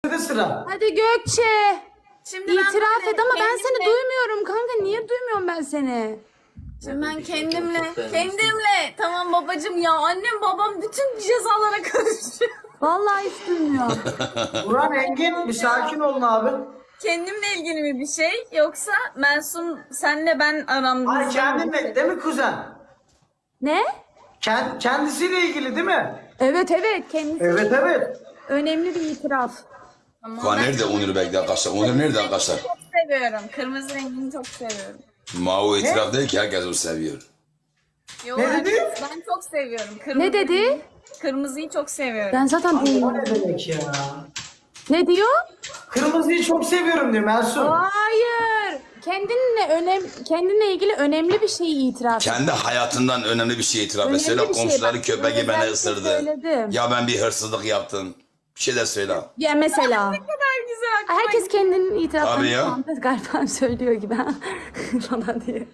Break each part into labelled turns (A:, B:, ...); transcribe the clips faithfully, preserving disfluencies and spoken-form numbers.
A: sıra.
B: Hadi Gökçe.
C: Şimdi ben
B: İtiraf
C: böyle
B: et ama ben seni
C: kendimle-
B: duymuyorum kanka. Niye duymuyorum ben seni?
C: Şimdi ben kendimle, kendimle. Tamam babacığım ya, annem babam bütün cezalara karışıyor.
B: Vallahi hiç duymuyorum.
A: Buran Engin bir sakin olun abi.
C: Kendimle ilgili mi bir şey, yoksa Mensum senle ben aramda?
A: Ay kendinle değil mi kuzen?
B: Ne?
A: Kend, kendisiyle ilgili değil mi?
B: Evet evet kendisi
A: Evet evet.
B: önemli bir itiraf.
D: Kuan nerede Onur bekle arkadaşlar? Onur nerede arkadaşlar?
C: Çok seviyorum. Kırmızı rengini çok seviyorum.
D: Mao itiraf değil ki herkes onu seviyor.
C: Yo,
A: Ne
C: herkes-
A: dedi?
C: Ben çok seviyorum. Kırmızı,
B: Ne dedi?
C: Kırmızıyı çok seviyorum.
B: Ben zaten
A: O
B: duymuyorum.
A: ne demek ya?
B: Ne diyor?
A: Kırmızıyı çok seviyorum diyor Mersun.
B: Hayır. Kendinle önem kendinle ilgili önemli bir şeyi itiraf.
D: Kendi hayatından önemli bir şey itiraf et.
B: Önemli
D: Söyle
B: bir şey.
D: komşuları
B: Bak,
D: köpeği beni
B: özellikle
D: ısırdı.
B: söyledim.
D: Ya ben bir hırsızlık yaptım. Bir şey de söyle.
B: Ya mesela.
C: Ne kadar güzel. aklıma
B: Herkes kendinin itiraflarını
D: Tabii ya.
B: Muhammed galiba söylüyor gibi ha. falan diye.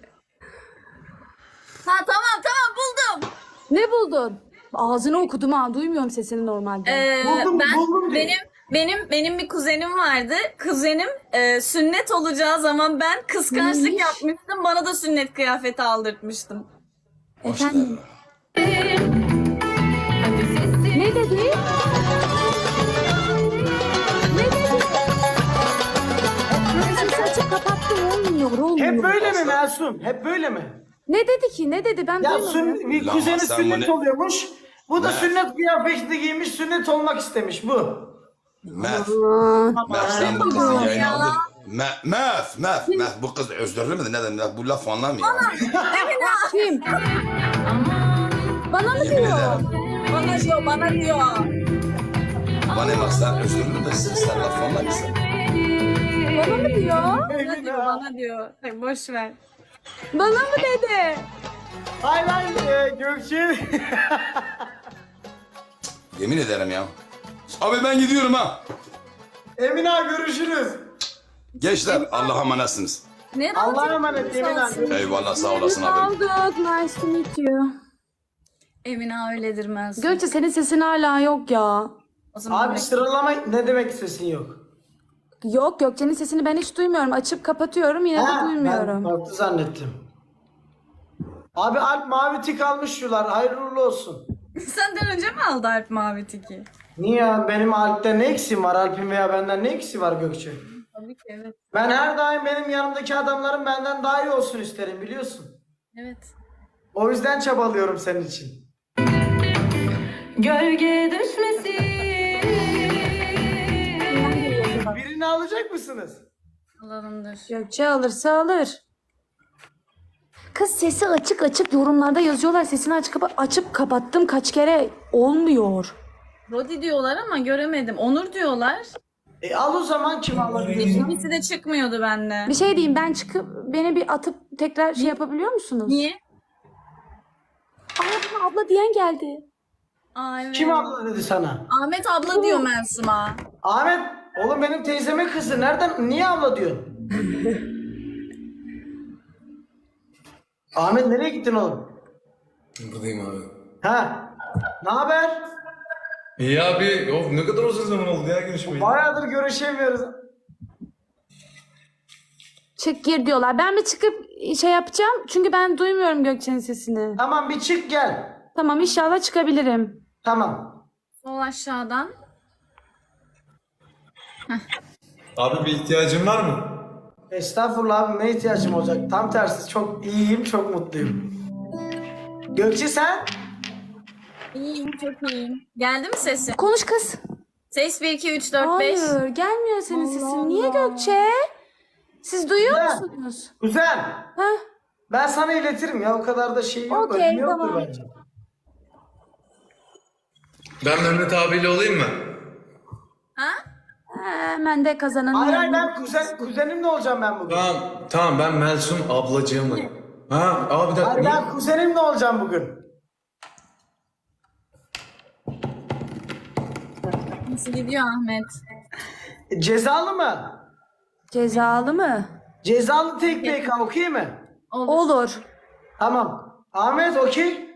C: Ha tamam tamam buldum.
B: Ne buldun? Ağzını okudum ha. Duymuyorum sesini normalde.
C: Ee,
A: Buldum,
C: ben
A: buldum diyor.
C: benim benim benim bir kuzenim vardı. Kuzenim e, sünnet olacağı zaman ben kıskançlık
B: Neymiş?
C: yapmıştım. Bana da sünnet kıyafeti aldırtmıştım.
B: Efendim. Ne dedi? Ne dedi? Sesi açıp kapattım olmuyor olmuyor.
A: Hep böyle mi Mersun? Hep böyle mi?
B: Ne dedi ki? Ne dedi? Ben
A: Ya
B: duymadım.
A: sün, bir
D: Lan
A: kuzeni
D: sen
A: sünnet
D: bunu-
A: oluyormuş. Bu da
D: Ne?
A: sünnet kıyafeti giymiş, sünnet olmak istemiş bu.
D: Mef.
B: Aa,
D: Mef sen bu kızı
C: Ya.
D: yayına aldın. Mef, Mef, Mef, Mef. Bu kız özürlü müdür? Ne demek? Bu laf anlamıyor.
B: kim? Bana mı
D: Yemin
B: diyor?
D: ederim.
C: Bana diyor, bana diyor.
D: Bana bak sen özürlü müsün? Sen laf anlamıyorsun.
B: Bana mı diyor?
C: Bana diyor, bana diyor. Ay, boş ver.
B: Bana mı dedi?
A: Hayır hayır e, Gökçe.
D: Yemin ederim ya. Abi ben gidiyorum ha.
A: Emine görüşürüz.
D: Gençler Allah'a emanetsiniz.
C: Ne
A: Allah'a
C: rahat
A: emanet Emine abi.
D: Eyvallah sağ olasın abi.
B: Aldık. Nice to meet you.
C: Emine öyledir Mensum.
B: Gökçe senin sesin hala yok ya.
C: O zaman
A: Abi sıralama ne demek sesin yok?
B: Yok Gökçe'nin sesini ben hiç duymuyorum. Açıp kapatıyorum yine de
A: Ha,
B: duymuyorum.
A: Ben farklı zannettim. Abi Alp mavi tik almış şular. Hayırlı uğurlu olsun.
C: senden önce mi aldı Alp Mavi Tiki?
A: Niye ya? Benim Alp'te ne eksiğim var? Alp'in veya benden ne eksiği var Gökçe?
C: Tabii ki, evet.
A: Ben her daim benim yanımdaki adamların benden daha iyi olsun isterim biliyorsun.
C: Evet.
A: O yüzden çabalıyorum senin için.
E: Gölge düşmesin.
A: Birini alacak mısınız?
C: Alalımdır.
B: Gökçe alırsa alır. Kız sesi açık açık yorumlarda yazıyorlar. Sesini açık kapa açıp kapattım kaç kere olmuyor.
C: Rodi diyorlar ama göremedim. Onur diyorlar.
A: E al o zaman kim alabilir?
C: İkisi de çıkmıyordu bende.
B: Bir şey diyeyim ben çıkıp beni bir atıp tekrar şey yapabiliyor musunuz?
C: Niye?
B: Aa bana abla diyen geldi.
C: Aa, evet.
A: Kim abla dedi sana?
C: Ahmet abla diyor Mensum'a.
A: Ahmet, oğlum benim teyzemin kızı. Nereden, niye abla diyorsun? Ahmet nereye gittin oğlum?
F: Buradayım abi.
A: Ha? Ne haber?
F: İyi abi. Of ne kadar uzun zaman oldu ya görüşmeyi.
A: Bayağıdır görüşemiyoruz.
B: Çık gir diyorlar. Ben bir çıkıp şey yapacağım. Çünkü ben duymuyorum Gökçe'nin sesini.
A: Tamam bir çık gel.
B: Tamam inşallah çıkabilirim.
A: Tamam.
C: Sol aşağıdan.
F: Abi bir ihtiyacın var mı?
A: Estağfurullah abi ne ihtiyacım olacak? Tam tersi çok iyiyim, çok mutluyum. Gökçe sen?
C: İyiyim, çok iyiyim. Geldi mi sesin?
B: Konuş kız.
C: Ses bir, iki, üç, dört, beş.
B: Hayır gelmiyor senin sesin. Niye Gökçe? Siz duyuyor
A: Güzel.
B: musunuz?
A: Kuzen.
B: Heh.
A: Ben sana iletirim ya o kadar da şey yok.
B: Okey,
A: önemi yoktur
B: tamam.
A: bence.
F: Ben Mehmet abiyle olayım mı?
C: Ha?
B: Hemen de kazananı.
A: Hayır hayır ben kuzen, kuzenimle olacağım ben bugün.
F: Tamam. Tamam ben Melsum ablacığımlayım. Ha abi bir dakika.
A: Hayır
F: ne-
A: ben kuzenimle olacağım bugün.
C: Nasıl gidiyor Ahmet?
A: E, cezalı mı?
B: Cezalı mı?
A: Cezalı tek B K okey mi?
C: Olur.
B: Olur.
A: Tamam. Ahmet okey.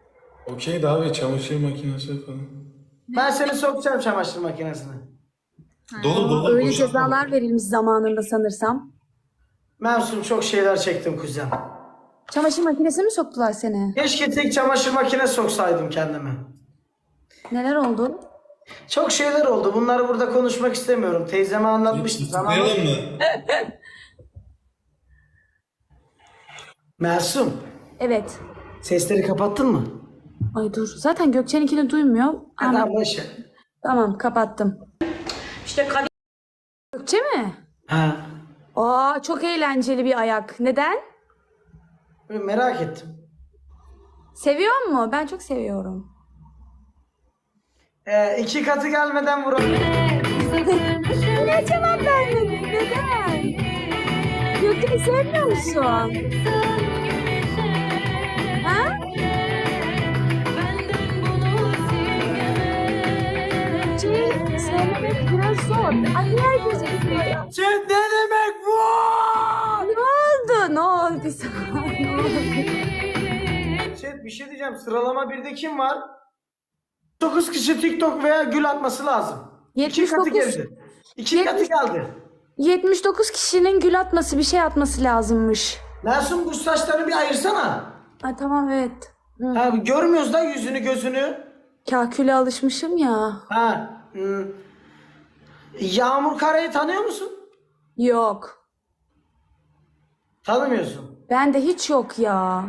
F: Okey de abi çamaşır makinesi falan.
A: Ben seni sokacağım çamaşır makinesine.
F: Dolu dolu.
B: Öyle
F: boşaltma.
B: cezalar verilmiş zamanında sanırsam.
A: Mersun çok şeyler çektim kuzen.
B: Çamaşır makinesine mi soktular seni?
A: Keşke tek çamaşır makinesi soksaydım kendime.
B: Neler oldu?
A: Çok şeyler oldu. Bunları burada konuşmak istemiyorum. Teyzeme anlatmıştım sana. ama-
F: Tutuklayalım mı?
A: Mersun,
B: Evet.
A: sesleri kapattın mı?
B: Ay dur. Zaten Gökçen'inkini duymuyor. Ama
A: Tamam boş ver.
B: tamam kapattım. İşte kad- Gökçe mi?
A: Ha,
B: Aa çok eğlenceli bir ayak. Neden?
A: böyle merak ettim.
B: Seviyor mu? Ben çok seviyorum.
A: Ee, iki katı gelmeden vuralım.
B: Ne cevap vermedin? Neden? Gökçen'i sevmiyor musun? Ha? Gökçe'yi sevmemek biraz zor. Ay herkese gidiyor.
A: Şey, ne demek bu?
B: Ne oldu? Ne oldu sana? Ne oldu?
A: Şey, bir şey diyeceğim. Sıralama birde kim var? dokuz kişi TikTok veya gül atması lazım. İki
B: yetmiş
A: katı
B: dokuz
A: geldi. İki
B: yetmiş
A: katı geldi.
B: yetmiş dokuz kişinin gül atması bir şey atması lazımmış.
A: Mersun bu saçlarını bir ayırsana.
B: Ay tamam evet. Hı.
A: Ha, görmüyoruz da yüzünü gözünü.
B: Kaküle alışmışım ya.
A: Ha, hmm. Yağmur Kara'yı tanıyor musun?
B: Yok.
A: Tanımıyorsun.
B: Bende hiç yok ya.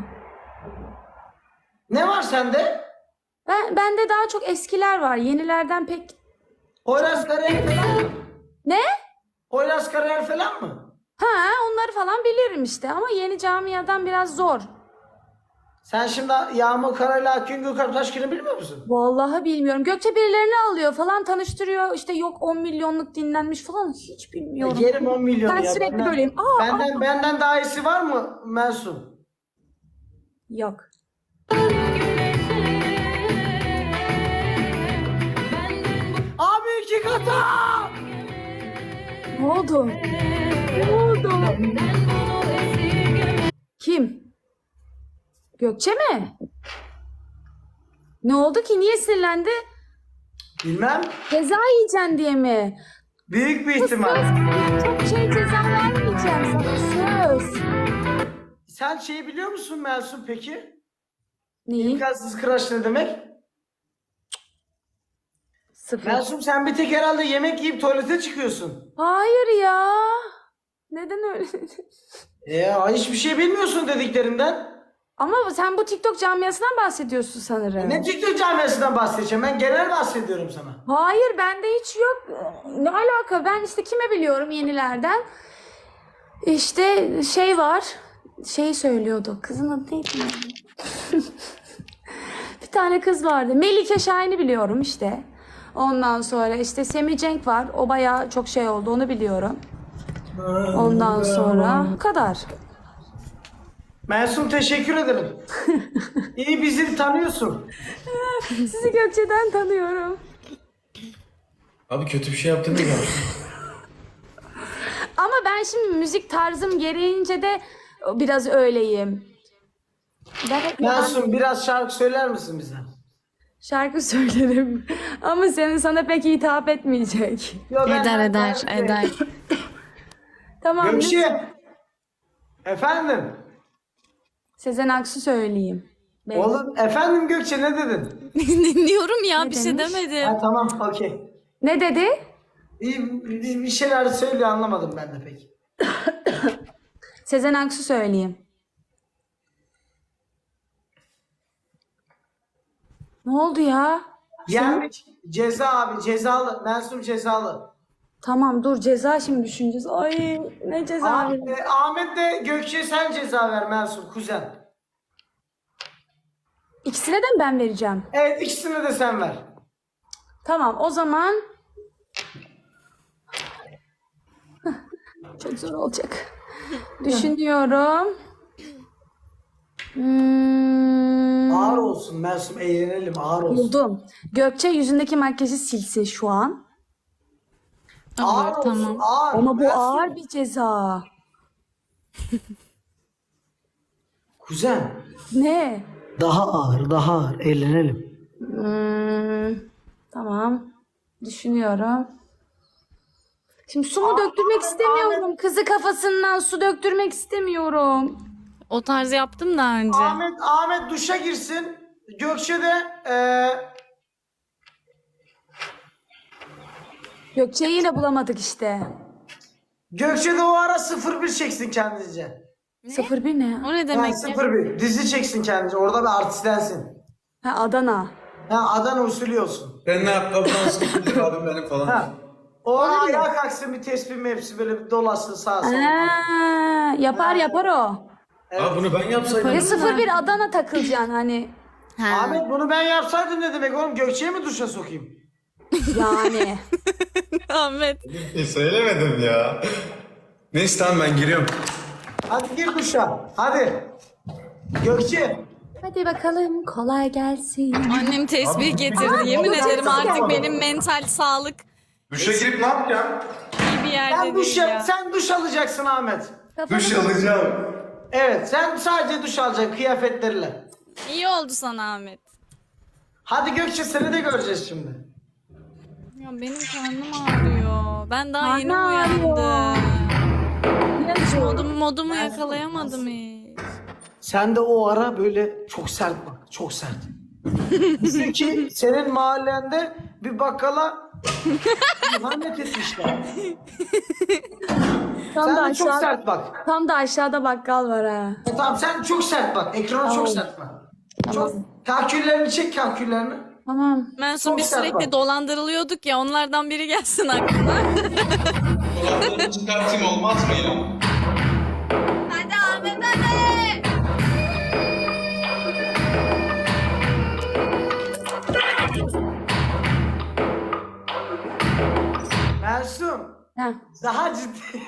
A: Ne var sende?
B: Ben bende daha çok eskiler var. Yenilerden pek.
A: Poyraz Karayel falan mı?
B: Ne?
A: Poyraz Karayel falan mı?
B: Ha, onları falan bilirim işte ama yeni camiadan biraz zor.
A: Sen şimdi Yağmur Kara'yla Akgün Gökalp Taşkın'ı bilmiyor musun?
B: Vallahi bilmiyorum. Gökçe birilerini alıyor falan tanıştırıyor. İşte yok on milyonluk dinlenmiş falan. Hiç bilmiyorum.
A: Yerim on milyon
B: Ben
A: ya.
B: sürekli
A: Benden-
B: böyleyim. Aa,
A: benden,
B: aa.
A: benden daha iyisi var mı Mersun?
B: Yok.
A: Abi iki kata!
B: Ne oldu? Ne oldu? Kim? Gökçe mi? Ne oldu ki? Niye sinirlendi?
A: Bilmem.
B: Ceza yiyeceksin diye mi?
A: Büyük bir ihtimal.
B: Çok şey ceza vermeyeceğim sana söz.
A: Sen şeyi biliyor musun Mersun peki?
B: Neyi?
A: İmkansız crush ne demek?
B: Sıfır.
A: Mersun sen bir tek herhalde yemek yiyip tuvalete çıkıyorsun.
B: Hayır ya. Neden öyle?
A: Ya hiçbir şey bilmiyorsun dediklerinden.
B: Ama sen bu TikTok camiasından bahsediyorsun sanırım.
A: Ne TikTok camiasından bahsedeceğim? Ben genel bahsediyorum sana.
B: Hayır bende hiç yok. Ne alaka? Ben işte kime biliyorum yenilerden? İşte şey var. Şey söylüyordu. Kızın adı neydi? Bir tane kız vardı. Melike Şahin'i biliyorum işte. Ondan sonra işte Semih Cenk var. O bayağı çok şey oldu. Onu biliyorum. Ondan sonra bu kadar.
A: Mersun teşekkür ederim. İyi bizi tanıyorsun.
B: Sizi Gökçe'den tanıyorum.
F: Abi kötü bir şey yaptın mı ya?
B: Ama ben şimdi müzik tarzım gereğince de biraz öyleyim. Ben hep
A: Mersun biraz şarkı söyler misin bize?
B: şarkı söylerim. Ama senin sana pek hitap etmeyecek.
A: Yo, ben-
C: Eder
A: ben-
C: eder
A: ben-
C: eder.
B: Tamam.
A: Gökçe. Efendim.
B: Sezen Aksu söyleyeyim. Belki.
A: Oğlum efendim Gökçe ne dedin?
C: Dinliyorum ya
B: Ne
C: bir şey
B: demiş?
C: demedim.
A: Ha tamam okey.
B: Ne dedi?
A: İyi bir, bir şeyler söylüyor anlamadım ben de pek.
B: Sezen Aksu söyleyeyim. Ne oldu ya?
A: Yani ceza abi cezalı. Mersun cezalı.
B: Tamam dur ceza şimdi düşüneceğiz. Ay ne ceza?
A: Ah- e, Ahmet de Gökçe sen ceza ver Mersun kuzen.
B: İkisine de mi ben vereceğim?
A: Evet ikisini de sen ver.
B: Tamam o zaman çok zor olacak. Düşünüyorum. Hmm,
A: Ağır olsun Mersun eğlenelim ağır olsun.
B: buldum. Gökçe yüzündeki makyajı silsin şu an.
A: Ağır
C: Olur
A: olsun
C: tamam.
A: ağır.
B: Ama bu
A: Mersun.
B: ağır bir ceza.
A: Kuzen
B: Ne?
A: daha ağır daha ağır eğlenelim.
B: Hmm, tamam. Düşünüyorum. Şimdi su mu döktürmek istemiyorum. Kızı kafasından su döktürmek istemiyorum.
C: O tarz yaptım daha önce.
A: Ahmet Ahmet duşa girsin. Gökçe de eee
B: Gökçe'yi yine bulamadık işte.
A: Gökçe de o ara sıfır bir çeksin kendince.
B: Sıfır bir ne?
C: O ne
A: Yani
C: demek ya?
A: sıfır bir dizi çeksin kendince. Orada bir artistlensin.
B: Ha, Adana.
A: Ha Adana usulü olsun.
F: Ben ne ayakkabıdan sıkıldık abim benim falan.
A: Ha. O ara ayağa kalksın bir tespih mevsi böyle bir dolasın sağa sola.
B: Ha, yapar yapar o.
F: Abi bunu ben yapsaydım.
B: Ya sıfır bir Adana takılacaksın hani.
C: Ha.
A: Ahmet bunu ben yapsaydım ne demek oğlum? Gökçe'yi mi duşa sokayım?
B: Yani.
C: Ahmet.
F: E, söylemedim ya. Neyse tamam ben giriyorum.
A: Hadi gir duşa. Hadi. Gökçe.
B: Hadi bakalım kolay gelsin.
C: Annem tesbih getirdi. Yemin ederim artık benim mental sağlık
F: Duşa girip ne yapacağım?
C: iyi bir yerde
A: Sen duş
C: değil
A: yap,
C: ya.
A: sen duş alacaksın Ahmet.
F: Duş alacağım.
A: Evet, sen sadece duş alacaksın kıyafetleriyle.
C: İyi oldu sana Ahmet.
A: Hadi Gökçe seni de göreceğiz şimdi.
C: Ya benim karnım ağrıyor. Ben daha yeni
B: Karnı ağrıyor.
C: uyandım. Modumu, modumu yakalayamadım hiç.
A: Sen de o ara böyle çok sert bak, çok sert. Bizim ki senin mahallende bir bakkala ihanet etmişler.
B: Tam
A: Sen
B: da
A: de çok
B: aşağı,
A: sert bak.
B: tam da aşağıda bakkal var ha.
A: E tamam sen çok sert bak, ekrana çok sert bak. Çok kalküllerini çek kalküllerini.
B: Tamam.
C: Mensun
A: Çok
C: biz
A: sert
C: sürekli
A: bak.
C: dolandırılıyorduk ya, onlardan biri gelsin aklına.
F: Kulaklarını çıkartayım olmaz mı ya?
C: Hadi Ahmet hadi.
A: Mersun,
B: Heh.
A: daha ciddi.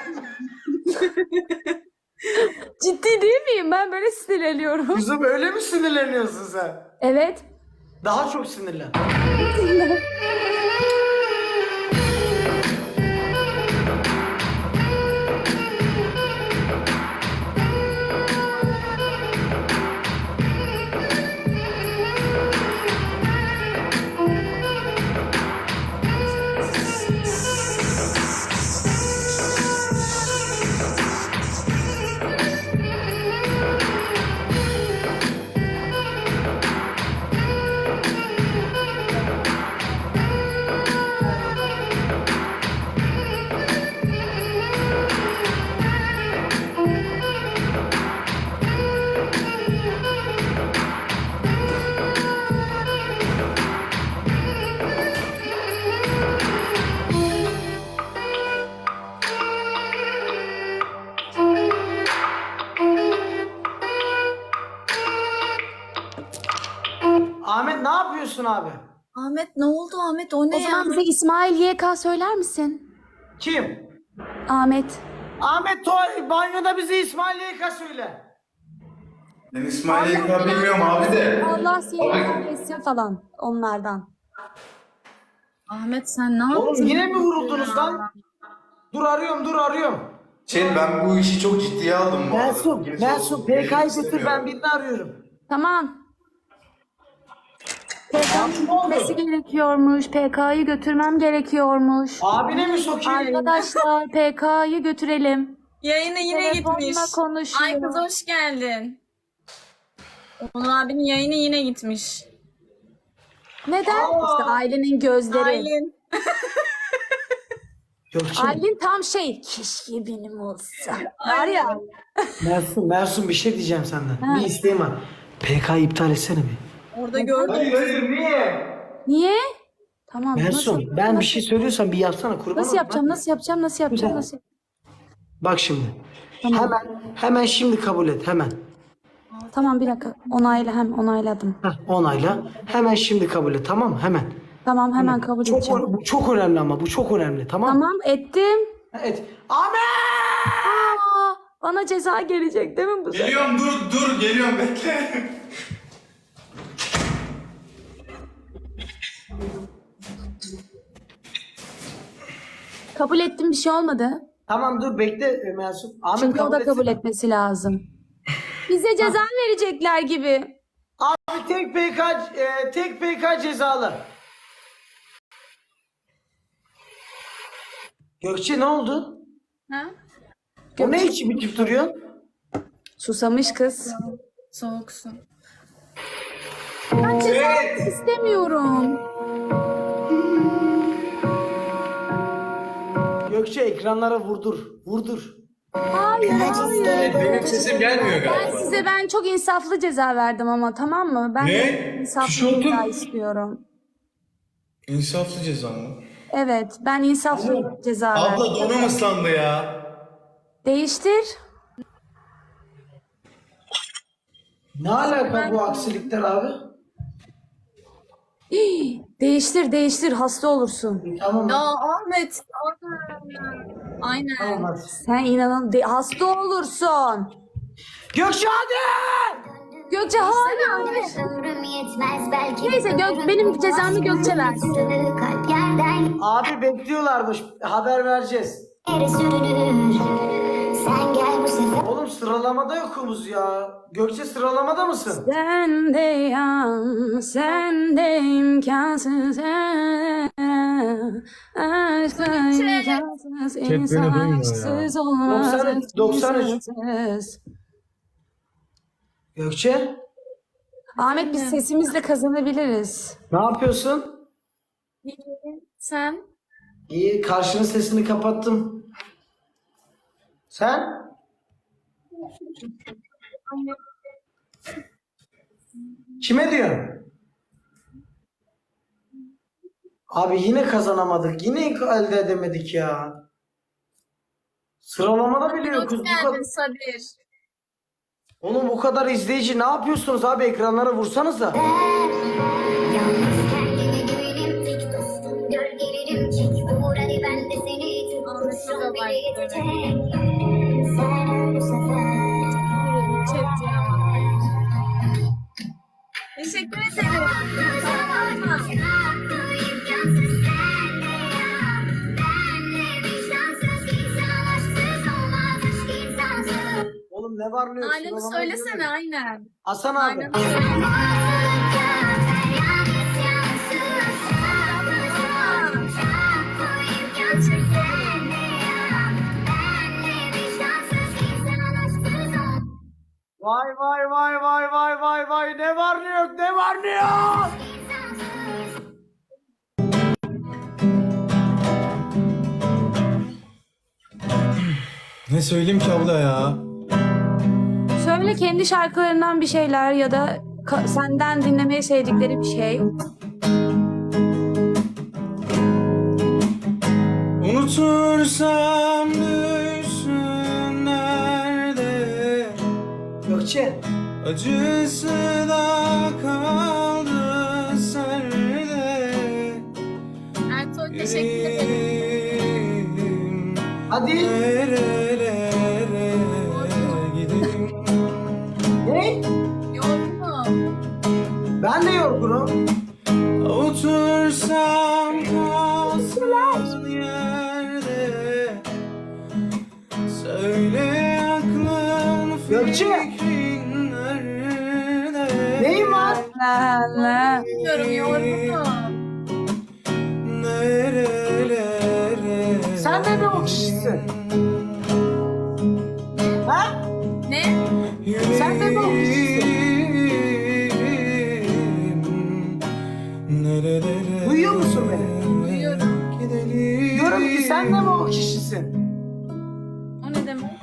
B: Ciddi değil miyim? Ben böyle sinirleniyorum.
A: Kızım öyle mi sinirleniyorsun sen?
B: Evet.
A: Daha çok sinirlen. Ahmet ne yapıyorsun abi?
C: Ahmet ne oldu Ahmet, o ne
B: O zaman bize İsmail Y K söyler misin?
A: Kim?
B: Ahmet.
A: Ahmet tuval banyoda bize İsmail Yeka söyle.
F: Ben İsmail Yeka bilmiyorum abi de.
B: Allah seni
F: Abi-
B: kahretsin falan onlardan.
C: Ahmet sen ne
A: Oğlum
C: yaptın?
A: yine mi vuruldunuz lan? Dur arıyorum dur arıyorum.
F: Şey ben bu işi çok ciddiye aldım bu arada.
A: Mersun,
F: Gerisi
A: Mersun
F: olsun,
A: P K'yı
F: gerisi
A: getir ben
F: istemiyorum.
A: birini arıyorum.
B: Tamam. P K'nın
A: Ne oldu?
B: gitmesi gerekiyormuş. P K'yı götürmem gerekiyormuş.
A: Abine mi sokayım?
B: Arkadaşlar P K'yı götürelim.
C: Yayına yine
B: Telefonla
C: gitmiş.
B: konuşuyor.
C: Ay kız hoş geldin. Onur abinin yayını yine gitmiş.
B: Neden? İşte ailenin gözleri.
C: Aylin.
A: Gökçe,
B: Aylin tam şey. Keşke benim olsa. Var ya.
A: Mersun, Mersun bir şey diyeceğim senden. Bir isteğim var. P K'yı iptal etsene bir.
C: Orada gördüm.
A: Hayır hayır niye?
B: Niye? Tamam.
A: Mersun
B: nasıl,
A: ben bir
B: nasıl-
A: şey söylüyorsam bir yapsana kurban
B: Nasıl
A: olayım.
B: yapacağım? Nasıl yapacağım? Nasıl yapacağım? Nasıl
A: Bak şimdi. Hemen hemen şimdi kabul et hemen.
B: Tamam bir dakika. Onayla hem onayladım.
A: Heh, onayla. Hemen şimdi kabul et tamam mı? Hemen.
B: Tamam hemen kabul
A: Çok,
B: edeceğim.
A: bu çok önemli ama bu çok önemli tamam mı?
B: Tamam ettim.
A: Evet. Ahmet!
B: Aa, bana ceza gelecek değil mi bu sefer?
F: Geliyorum dur dur geliyorum bekle.
B: Kabul ettim bir şey olmadı.
A: Tamam dur bekle e, Mersun. Ahmet
B: Çünkü o da kabul
A: etsene.
B: etmesi lazım. Bize ceza verecekler gibi.
A: Abi tek P K e, tek P K cezalı. Gökçe ne oldu?
C: Ha?
A: O ne içip içip duruyorsun?
B: Susamış kız.
C: Soğuksun.
B: Ben ceza istemiyorum.
A: Gökçe ekranlara vurdur. Vurdur.
B: Hayır, hayır.
F: Benim sesim gelmiyor
B: Ben
F: galiba.
B: size ben çok insaflı ceza verdim ama tamam mı? Ben
F: Ne?
B: insaflı
F: Tişörtüm.
B: ceza istiyorum.
F: İnsaflı ceza mı?
B: Evet, ben insaflı ceza verdim.
F: Abla donum ıslandı ya.
B: Değiştir.
A: Ne alaka bu aksilikler abi?
B: Değiştir, değiştir. Hasta olursun.
A: Tamam.
C: Ya Ahmet. Aynen.
A: Tamam hadi.
B: Sen inanan de- hasta olursun.
A: Gökçe hadi!
B: Gökçe hayır.
E: Ömrüm yetmez belki.
B: Neyse, Gök- benim cezamı Gökçe versin.
E: Kalp yerden
A: Abi bekliyorlarmış. Haber vereceğiz.
E: yere sürünür. Sen gel bu sefer.
A: Oğlum sıralamada yokumuz ya. Gökçe sıralamada mısın?
B: Sen de yan, sen de imkansız. Aşkla imkansız, insan
F: duymuyor ya.
B: aşksız olmaz.
A: doksan üç, doksan üç.
B: imkansız.
A: Gökçe
B: Ahmet, biz sesimizle kazanabiliriz.
A: ne yapıyorsun?
C: Sen?
A: İyi, karşının sesini kapattım. Sen? Kime diyorsun? Abi yine kazanamadık. Yine elde edemedik ya. Sıralamada bile yokuz.
C: Hoş
A: Bu kadar...
C: geldin Sabir.
A: Oğlum bu kadar izleyici ne yapıyorsunuz abi? Ekranlara vursanıza.
E: Yalnız kendime güvenim tek dostum. Gölgelerim çek. Vur hadi ben de seni tut. Kurşun bile yetecek. Sen öl bu sefer.
C: Teşekkür ederim.
E: Hakkı imkansız senle ya. Benle vicdansız insan aşksız olmaz aşk insansız.
A: Oğlum ne var ne yok?
C: Aynen
A: Sıralamaya
C: söylesene
A: giremedik.
C: aynen.
A: Hasan abi.
C: Aynen.
A: Vay vay vay vay vay vay vay ne var ne yok ne var ne yok.
F: Ne söyleyeyim ki abla ya?
B: Söyle kendi şarkılarından bir şeyler ya da ka- senden dinlemeyi sevdikleri bir şey.
F: Unutursam düşsün nerede?
A: Gökçe.
F: Acısı da kaldı serde.
C: Ertuğ teşekkür ederim.
F: Yüreğim
A: Hadi.
F: nerelere gideyim?
A: Ne?
C: Yorgunum.
A: Ben de yorgunum.
F: Otursam kalsın yerde. Söyle aklın
A: Gökçe.
F: fikrin nerede?
A: Neyin var?
B: La la.
C: Bilmiyorum yorgunum.
F: Nerelere
A: Sen de mi o kişisin? Ha?
C: Ne?
A: Sen de mi o kişisin?
F: Nerelere
A: Duyuyor musun beni?
C: Duyuyorum.
F: gidelim?
A: Diyorum ki sen de mi o kişisin?
C: O ne demek?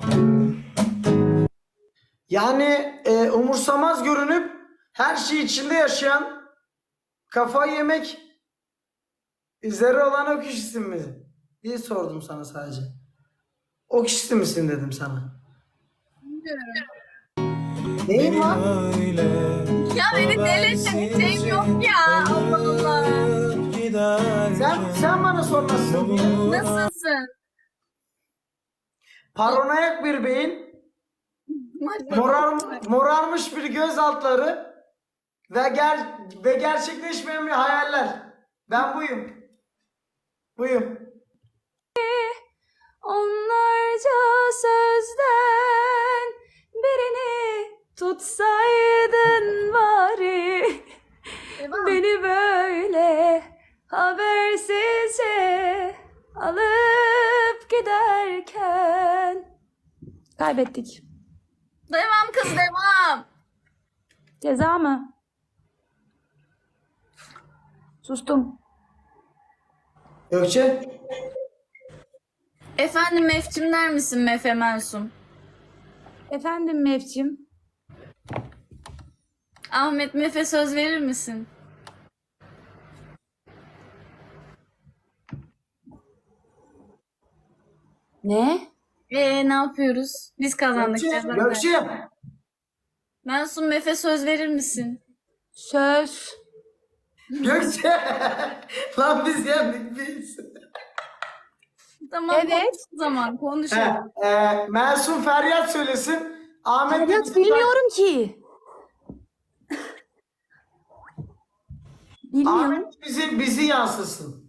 A: Yani e, umursamaz görünüp her şey içinde yaşayan, kafayı yemek üzere olan o kişisin mi diye sordum sana sadece. O kişisi misin dedim sana.
C: Bilmiyorum.
A: Neyin var?
F: Öyle
C: Ya beni delirtecek şeyim yok ya. Allah Allah.
A: Sen, sen bana sor nasılsın diye.
C: Nasılsın?
A: Paranoyak bir beyin, morar, morarmış bir göz altları ve, ger ve gerçekleşmeyen bir hayaller. Ben buyum. Buyum.
B: Onlarca sözden birini tutsaydın bari. Beni böyle habersizce alır uçup giderken. Kaybettik.
C: Devam kız devam.
B: Ceza mı? Sustum.
A: Gökçe.
C: Efendim Mefcim der misin Mefe Mensum?
B: Efendim Mevcim.
C: Ahmet Mefe söz verir misin?
B: Ne?
C: Ee ne yapıyoruz? Biz kazandık.
A: Gökçe.
C: ceza ver.
A: Gökçe.
C: Mensum Mefe söz verir misin?
B: Söz.
A: Gökçe. Lan biz yendik biz.
C: Tamam
B: Evet.
C: konuş o zaman konuşalım.
A: He, e, Masum Feryat söylesin. Ahmet de
B: Feryat
A: bizim-
B: bilmiyorum ki. Bilmiyorum.
A: Ahmet bizi bizi yansısın.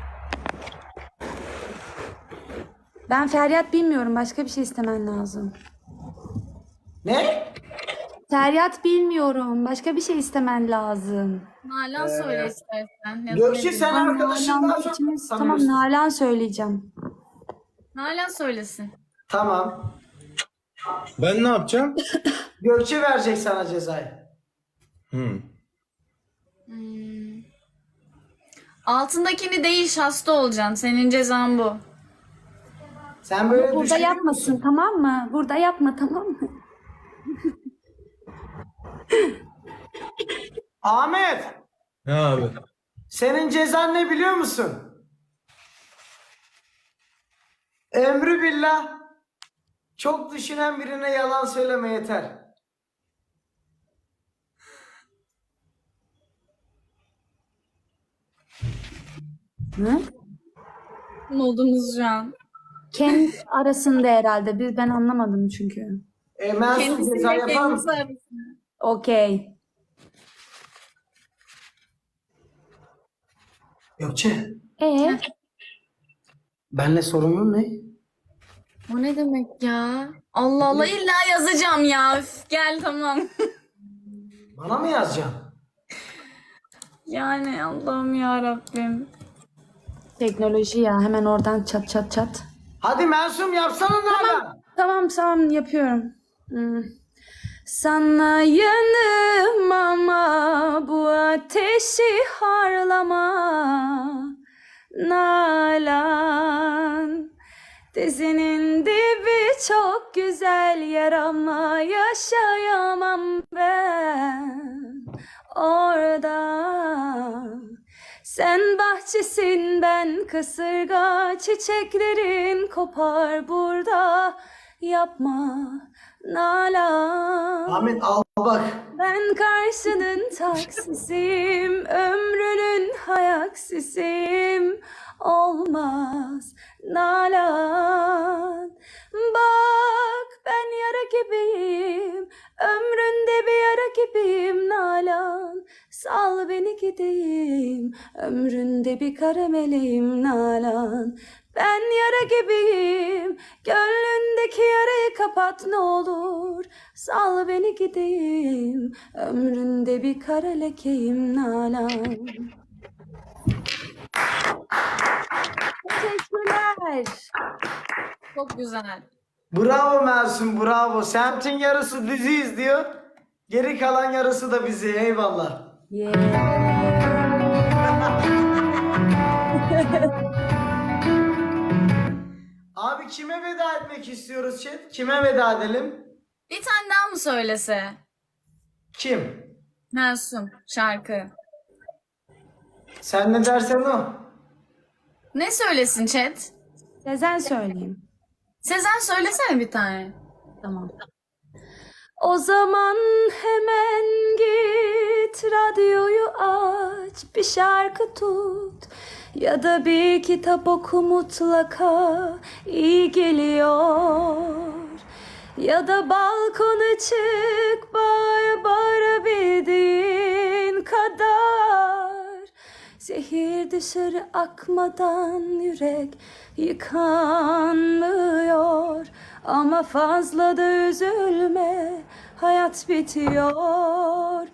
B: Ben Feryat bilmiyorum. Başka bir şey istemen lazım.
A: Ne?
B: Feryat bilmiyorum. Başka bir şey istemen lazım.
C: Nalan söyle istersen. Ya da
A: Gökçe
C: ne
A: sen
C: bileyim.
A: arkadaşından
B: Nalan
A: çok
B: ikimiz- Tamam
A: tanıyorsun.
B: Nalan söyleyeceğim.
C: Nalan söylesin.
A: Tamam.
F: Ben ne yapacağım?
A: Gökçe verecek sana cezayı.
F: Hmm.
C: Altındakini değiş hasta olacaksın. Senin cezan bu.
A: Sen böyle
B: Burada
A: düşünüyor
B: yapmasın
A: musun?
B: tamam mı? Burada yapma tamam mı?
A: Ahmet,
F: Ne abi?
A: senin cezan ne biliyor musun? Emri billah. Çok düşünen birine yalan söyleme yeter.
B: Hı?
C: Modumuz şu an.
B: Kendi arasında herhalde. Biz ben anlamadım çünkü.
A: E, Masum ceza
C: Kendisiyle
A: yapar
C: kendisi
A: mısın?
C: arasında.
B: Okey.
A: Gökçe,
B: Ee,
A: benle sorunun ne?
C: O ne demek ya? Allah Allah illa yazacağım ya. Üf, gel tamam.
A: Bana mı yazacaksın?
C: Yani Allah'ım ya Rabbim.
B: teknoloji ya. Hemen oradan çat çat çat.
A: Hadi Masum yapsana Nalan.
B: Tamam tamam yapıyorum. Hmm. Sana yanım ama bu ateşi harlama. Nalan. Dizinin dibi çok güzel yer ama yaşayamam ben orada. Sen bahçesin ben kasırga, çiçeklerin kopar burada. Yapma Nalan.
A: Ahmet al bak.
B: Ben karşının taksisiyim, ömrünün hayaksisiyim. Olmaz Nalan. Bak ben yara gibiyim, ömründe bir yara gibiyim Nalan. Sal beni gideyim, ömründe bir kara meleğim Nalan. Ben yara gibiyim, gönlündeki yarayı kapat ne olur. Sal beni gideyim, ömründe bir kara lekeyim Nalan. Teşekkürler.
C: Çok güzel.
A: Bravo Masum, bravo. Semtin yarısı dizi izliyor. Geri kalan yarısı da bizi. Eyvallah.
B: Yeah.
A: Abi kime veda etmek istiyoruz chat? Kime veda edelim?
C: Bir tane daha mı söylese?
A: Kim?
C: Mensum şarkı.
A: Sen ne dersen o.
C: Ne söylesin chat?
B: Sezen söyleyeyim.
C: Sezen söylesene bir tane.
B: Tamam. O zaman hemen git radyoyu aç, bir şarkı tut ya da bir kitap oku mutlaka iyi geliyor. Ya da balkona çık bağır bağırabildiğin kadar. Zehir dışarı akmadan yürek yıkanmıyor. Ama fazla da üzülme, hayat bitiyor.